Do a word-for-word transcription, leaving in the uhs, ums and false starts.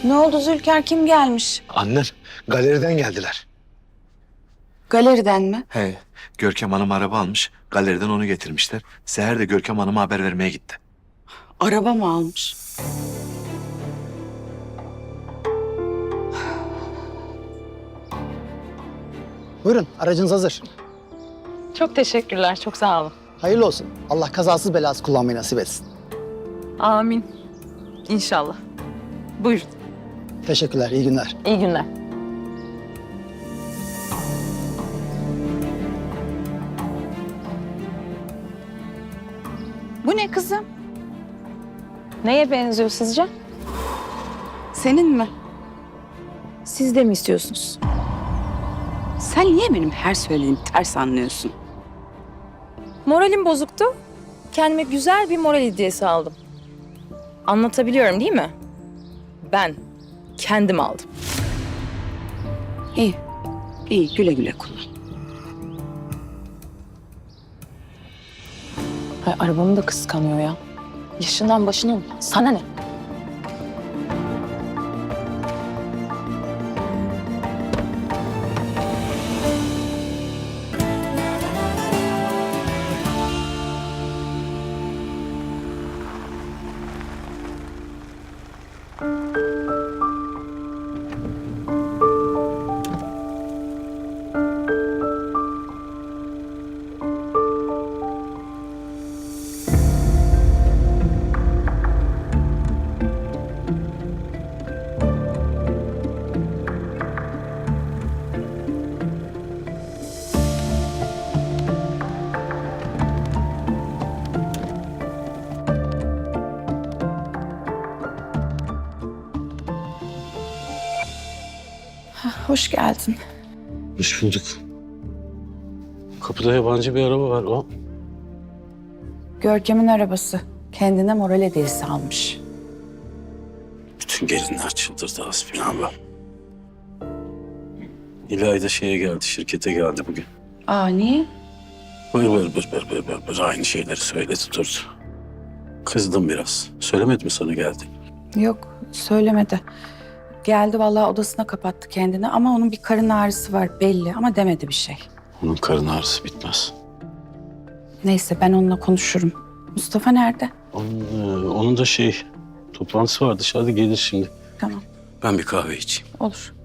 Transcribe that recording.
Ne oldu Zülker, kim gelmiş? Annem, galeriden geldiler. Galeriden mi? He, Görkem Hanım araba almış. Galeriden onu getirmişler. Seher de Görkem Hanım'a haber vermeye gitti. Araba mı almış? Buyurun, aracınız hazır. Çok teşekkürler, çok sağ olun. Hayırlı olsun. Allah kazasız belasız kullanmayı nasip etsin. Amin. İnşallah. Buyurun. Teşekkürler, iyi günler. İyi günler. Bu ne kızım? Neye benziyor sizce? Senin mi? Siz de mi istiyorsunuz? Sen niye benim her söylediğimi ters anlıyorsun? Moralim bozuktu. Kendime güzel bir moral hediyesi aldım. Anlatabiliyorum değil mi? Ben kendim aldım. İyi, iyi güle güle kullan. Ay, arabamı da kıskanıyor ya. Yaşından başının. Sana ne? Hoş geldin. Hoş bulduk. Kapıda yabancı bir araba var o. Görkem'in arabası. Kendine moral hediyesi almış. Bütün gelinler çıldırdı hasbinallah. İlayda şeye geldi, şirkete geldi bugün. Aa niye? Bır bır bır bır bır bır bır aynı şeyleri söyledi durdu. Kızdım biraz. Söylemedi mi sana geldi? Yok, söylemedi. Geldi vallahi odasına kapattı kendini ama onun bir karın ağrısı var belli ama demedi bir şey. Onun karın ağrısı bitmez. Neyse ben onunla konuşurum. Mustafa nerede? Onun, e, onun da şey, toplantısı var dışarıda gelir şimdi. Tamam, Ben bir kahve içeyim. olur.